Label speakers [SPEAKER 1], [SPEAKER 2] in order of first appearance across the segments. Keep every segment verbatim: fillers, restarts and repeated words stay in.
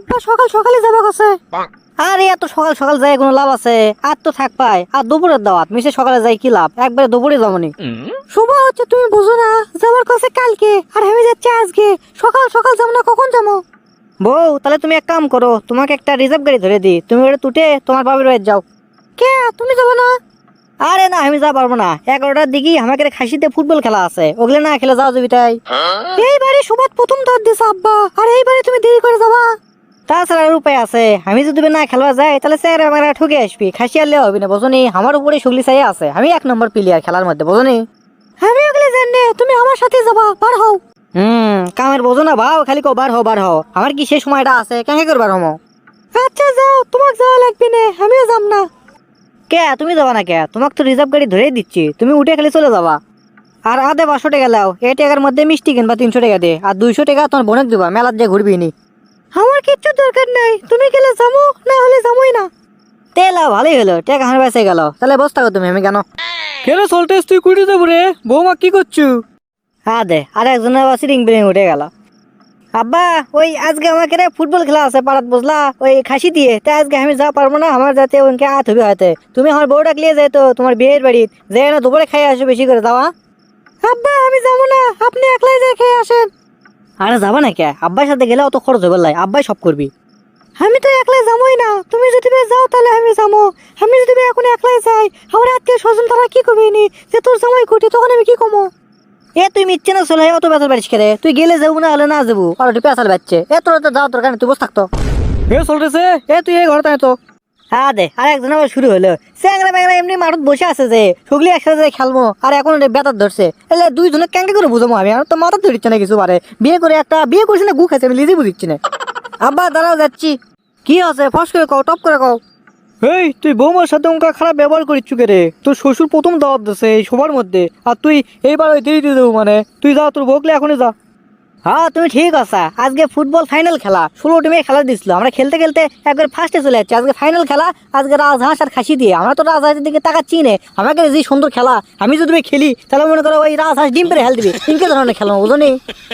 [SPEAKER 1] আব্বা সকাল সকালে যাবো কাছে। আরে এত সকাল সকাল যাই কোনো লাভ আছে? আর তো থাক পাই, আর দুপুরের দাওয়াত মিশে সকালে যাই কি লাভ? একবারে দুপুরে যাবনি। শুভ হচ্ছে তুমি বুঝো না, যাবার কাছে কালকে আর আমি যাচ্ছি আজকে। সকাল সকাল যাবো না, কখন যাবো? বউ তাহলে তুমি এক কাম করো, তোমাকে একটা রিজার্ভ গাড়ি ধরে দিই, তুমি ওটা তুটে তোমার বাবির বাড়ি যাও। কে তুমি যাবো না? আরে না আমি যা পারবো না, এগারোটার দিকে আমাকে খাসিতে ফুটবল খেলা আছে, ওগুলো না খেলে যাওয়া যাবি তাই। এইবারে সুবাদ প্রথম দাঁত দিছে আব্বা, আর এইবারে তুমি দেরি করে যাবা। তাছাড়া আর উপায় আছে, আমি যদি না খেলা যায় তাহলে স্যার আমার ঠকে আসবি, খাসি আনলে হবে না বোঝনি, আমার উপরে সুগলি চাই আছে, আমি এক নম্বর প্লেয়ার খেলার মধ্যে বোঝনি। আমি ওগুলো জানি, তুমি আমার সাথে যাবা, বার হও। হুম কামের বোঝো না ভাও, খালি কো বার হও বার হও, আমার কি সে সময়টা আছে কেন করবার হমো? আচ্ছা যাও, তোমাকে যাওয়া লাগবে না, আমিও যাব না। কে তুমি যাবা না কে? তোমাকে তো রিজার্ভ গাড়ি ধরেই দিচ্ছি, তুমি উঠে খালি চলে যাবা। আর আধে পাঁচশো টাকা লাও, এই টাকার মধ্যে মিষ্টি কিনবা তিনশো টাকা দিয়ে, আর দুইশো টাকা তোমার বোনক দিবা, মেলার দিয়ে ঘুরবি নি। আমার কিচ্ছু দরকার নাই, তুমি গেলে যাবো, না হলে যাবোই না। তেলা ভালোই হলো, টাকা হার বেঁচে গেল, তাহলে বস থাকো তুমি, আমি কেন?
[SPEAKER 2] কেন সল্টেস তুই কুড়ি দেবো রে? বৌমা কি করছু?
[SPEAKER 1] হ্যাঁ দে, আর একজনের আবার সিরিং বিরিং উঠে গেল। আব্বা ওই আজকে আমাকে রে ফুটবল খেলা আছে পাড়াত বুঝলা, ওই খাসি দিয়ে, তাই আজকে আমি যা পারবো না, আমার যাতে ওকে আত হবে হয়তো। তুমি আমার বউটা লিয়ে যাই তো তোমার বিয়ের বাড়ি, যে না দুপুরে খাই আসো বেশি করে যাওয়া। আব্বা আমি যাবো না, আপনি একলাই যাই খেয়ে আসেন। আরে যাবা না কে? আব্বার সাথে গেলে অত খরচ হবে লাই, আব্বাই সব করবি। আমি তো একলাই যাবোই না, তুমি যদি যাও তাহলে আমি যাবো। আমি যদি এখন একলাই যাই, আমার আত্মীয় স্বজন তারা কি করবে নি, যে তোর জামাই কোটি, তখন আমি কি কমো? এ তুই মিচ্ছে না চলে অত বেতাল পারিস খেলে, তুই গেলে যাবো না হলে না যাবো, আর একটু পেঁচাল বাচ্চে, এ তোর তো যাওয়ার দরকার নেই, তুই বস থাকতো।
[SPEAKER 2] হে সল্টেসে, এ তুই এই ঘরে তাই তো।
[SPEAKER 1] হ্যাঁ দে, আর একজন আবার শুরু হলো, স্যাংরা ব্যাংরা এমনি মাঠত বসে আছে যে, সুগলি একসাথে খেলবো, আর এখন বেতার ধরছে, এলে দুইজনে ক্যাঙ্কে করে বুঝাবো আমি, আর তো মাথা ধরিচ্ছে না কিছু পারে, বিয়ে করে একটা বিয়ে করছি না গু খাইছে, আমি নিজে বুঝিচ্ছি না। আব্বা দাঁড়াও যাচ্ছি। কি আছে ফস করে কও, টপ করে কও।
[SPEAKER 2] এই তুই বৌমার সাথে ওঙ্কা খারাপ ব্যবহার করিচ্ছু কে রে? তোর শ্বশুর প্রথম দাওয়াত দিছে এই সবার মধ্যে, আর তুই এইবার ওই দেরি দিয়ে দেবো মানে? তুই যা, তোর বকলে এখনই যা।
[SPEAKER 1] হ্যাঁ তুমি ঠিক আছে, আজকে ফুটবল ফাইনাল খেলা, ষোলো টিমে খেলা দিছিল, আমরা খেলতে খেলতে একবার ফার্স্টে চলে যাচ্ছি, আজকে ফাইনাল খেলা, আজকে রাজহাঁস আর খাসি দিয়ে, আমরা তো রাজহাঁসের দিকে তাকাচ্ছি না, আমাকে যে সুন্দর খেলা, আমি যদি খেলি তাহলে মনে করো ওই রাজহাঁস ডিম পেরে হেল দিবে, তিনকে ধরনের খেলা বুঝলি।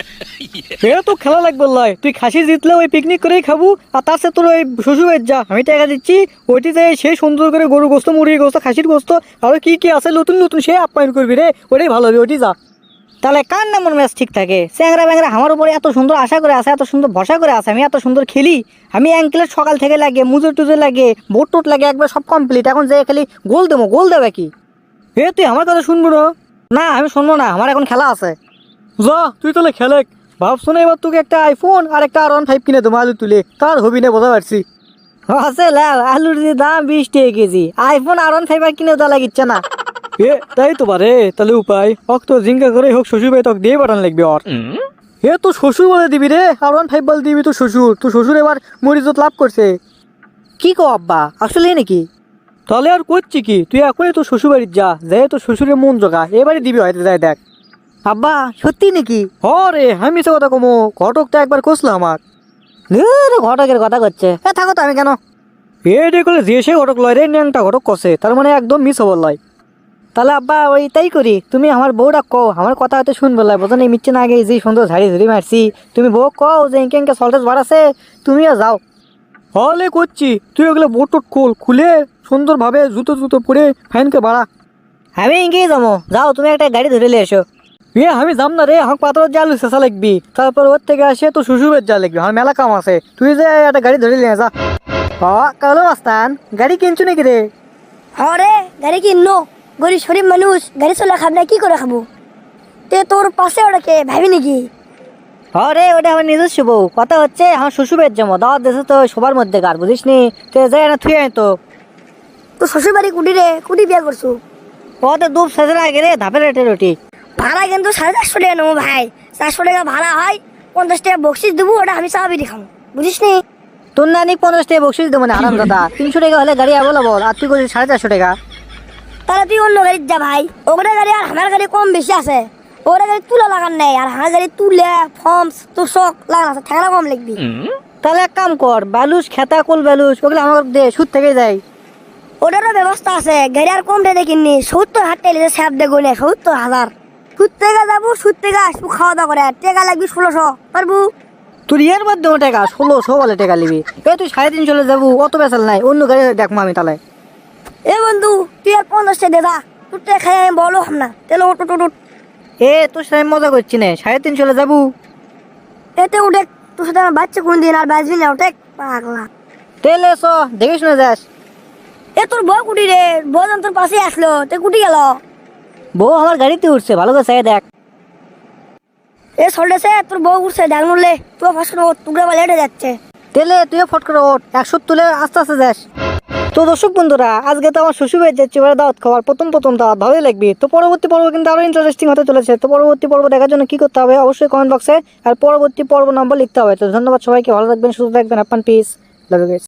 [SPEAKER 2] এ তো খেলা লাগবে লাই, তুই খাসি জিতলে ওই পিকনিক করেই খাবো, আর তার সাথে তোর ওই শ্বশুর বাড়ির যা, আমি টাকা দিচ্ছি, ওইটি যে সে সুন্দর করে গরু গোস্ত, মুরগির গোস্ত, খাসির গোস্ত, আরো কি কি আছে নতুন নতুন, সে আপ্যায়ন করবি রে, ওটাই ভালো হবে, ওইটি যা। তাহলে কার নামর ম্যাচ ঠিক থাকে? চ্যাংরা ব্যাংরা আমার উপরে এত সুন্দর আশা করে আছে, এত সুন্দর ভরসা করে আছে, আমি এত সুন্দর খেলি, আমি অ্যাঙ্কেলের সকাল থেকে লাগে, মুজোর টুজোর লাগে, বোট টোট লাগে, একবার সব কমপ্লিট, এখন যে খালি গোল দেবো, গোল দেবে কি? এ তুই আমার কথা শুনবো না?
[SPEAKER 1] না আমি শুনবো না, আমার এখন খেলা আছে।
[SPEAKER 2] যা তুই তাহলে খেলে ভাবছো না, এবার তোকে একটা আইফোন আর একটা আর ওয়ান ফাইভ কিনে দেবো আলু তুলে, তার হবি না বোঝা পারছি।
[SPEAKER 1] আছে লাভ, আলুর যে দাম বিশ টাকা কেজি, আইফোন আর ওয়ান ফাইভ আর কিনে দেওয়া লাগিচ্ছে না।
[SPEAKER 2] এ তাই তো পারে, তাহলে উপায় অক তো জিঙ্কা করে হোক শ্বশুর ভাই তোকে দিয়ে পাঠান লাগবে। আর এ তো শ্বশুর বলে দিবি রে, আর ওয়ান ফাইভ বলে দিবি তো শ্বশুর, তো শ্বশুর এবার মরিজত লাভ করছে।
[SPEAKER 1] কি কো আব্বা, আসলে নাকি?
[SPEAKER 2] তাহলে আর করছি কি, তুই এখনই তো শ্বশুর বাড়ির যা, যাই তো শ্বশুরের মন জোগা, এবারে দিবি হয়তো, যাই দেখ।
[SPEAKER 1] আব্বা সত্যি নাকি?
[SPEAKER 2] হ রে, আমি সে কথা কমো, ঘটক তো একবার কষলো আমার।
[SPEAKER 1] ঘটকের কথা করছে, এ থাকো তো, আমি কেন?
[SPEAKER 2] এ দেখলে যে সে ঘটক লয় রে, ন্যাংটা ঘটক কষে, তার মানে একদম মিস হবার লয়।
[SPEAKER 1] তাহলে আব্বা ওই তাই করি, তুমি আমার বউটা কও, আমার কথা হয়তো শুনবো লাই, বোঝো না মিচ্ছে না, আগে যে সুন্দর ঝাড়ি ঝুড়ি মারছি, তুমি বউ কও যে ইনকে ইনকে সল্টেজ বাড়াছে, তুমিও যাও।
[SPEAKER 2] হলে করছি, তুই ওগুলো বোট টোট খোল, খুলে সুন্দরভাবে জুতো জুতো পরে ফাইনকে বাড়া।
[SPEAKER 1] আমি ইনকেই যাবো, যাও তুমি একটা গাড়ি ধরে নিয়ে এসো।
[SPEAKER 2] এ আমি যাম না রে, আমার পাথর জাল শেষা লাগবি, তারপর ওর থেকে আসে তো শ্বশুরের যা লাগবে, আমার মেলা কাম আছে, তুই যে একটা গাড়ি ধরে নিয়ে যা।
[SPEAKER 1] হ্যাঁ কালো মাস্তান, গাড়ি কিনছু নাকি রে?
[SPEAKER 3] হরে গাড়ি কিনো, গরিব শরীফ মানুষ গাড়ি চলে খাব না, কি করে খাবো? তে তোর পাশে ওটাকে ভাবি নাকি?
[SPEAKER 1] হ্যাঁ রে, ওটা আমার নিজস্ব বউ, কথা হচ্ছে আমার শ্বশুরের জমা দাওয়াত দেশে তো সবার মধ্যে গার, বুঝিস নি, তো যাই না থুয়ে আয় তো।
[SPEAKER 3] তো শ্বশুর বাড়ি কুটি রে, কুটি বিয়ে করছো?
[SPEAKER 1] ওতে দুপ সাজের আগে রে, ধাপের রেটে রুটি।
[SPEAKER 3] ভাড়া কিন্তু সাড়ে চারশো টাকা নেবো ভাই, চারশো টাকা ভাড়া হয়, পঞ্চাশ টাকা বকশিস দেবো, ওটা আমি চা বিড়ি খাবো, বুঝিস নি?
[SPEAKER 1] তোর নানি পঞ্চাশ টাকা বকশিস দেবো না আরাম দাদা, তিনশো টাকা হলে গাড়ি অ্যাভেলেবল, আর তুই করছিস সাড়ে চারশো টাকা।
[SPEAKER 3] তাহলে তুই অন্য গাড়ির যা ভাই, ওগুলো গাড়ি আর আমার গাড়ি কম বেশি আছে, ওগুলো গাড়ি তুলা লাগান নেই, আর আমার গাড়ি তুলে ফর্মস তোর শখ লাগান আছে, ঠেলা কম লিখবি।
[SPEAKER 1] তাহলে এক কাম কর, বালুস খেতা কোল বালুস ওগুলো আমার দে, সুদ থেকে যায়।
[SPEAKER 3] ওটারও ব্যবস্থা আছে, গাড়ি আর কম রেটে কিনি, সত্তর হাজার টাকা স্যাপ দেখো না, সত্তর হাজার সুদ থেকে যাবো, সুদ থেকে আসবো, খাওয়া দাওয়া করে টেকা লাগবি ষোলোশো পারবো।
[SPEAKER 1] তোর ইয়ের মাধ্যমে টাকা ষোলোশো বলে টাকা নিবি। এ তুই সাড়ে তিনশো যাবো, অত বেসাল নাই, অন্য গাড়ি দেখবো আমি তাহলে।
[SPEAKER 3] এ বন্ধু তুই আর পঞ্চাশটা দে দা, তোর টাকা খাই আমি বলো হাম না, তাহলে ওট ওট ওট।
[SPEAKER 1] এ তোর সাথে আমি মজা করছি না, সাড়ে তিনশো যাবো।
[SPEAKER 3] এতে উঠে তোর সাথে আমার বাচ্চা কোন দিন আর বাঁচবি না, ওঠে পাগলা।
[SPEAKER 1] তেলে এসো, দেখে শুনে যাস।
[SPEAKER 3] এ তোর বউ কুটি রে, বউ যখন তোর পাশে আসলো তে কুটি গেল।
[SPEAKER 1] বউ আমার গাড়িতে উঠছে, ভালো করে চাই দেখ।
[SPEAKER 3] এ সল্টেছে তোর বউ উঠছে, ডাক নড়লে তুই ফাঁস করে টুকরা বা লেটে যাচ্ছে।
[SPEAKER 1] তেলে তুইও ফট করে ওঠ, একশো তুলে আস্তে আস্তে যাস। তো দর্শক বন্ধুরা, আজকে তো আমার শ্বশুর বাড়ি যাচ্ছি এবারে দাওয়াত খাওয়ার, প্রথম প্রথম দাওয়াত ভালোই লাগবে। তো পরবর্তী পর্ব কিন্তু আরো ইন্টারেস্টিং হতে চলেছে। তো পরবর্তী পর্ব দেখার জন্য কি করতে হবে অবশ্যই কমেন্ট বক্সে আর পরবর্তী পর্ব নাম্বার লিখতে হবে। তো ধন্যবাদ সবাইকে, ভালো থাকবেন, সুস্থ থাকবেন, আপনার পিস, লাভ ইউ গাইস।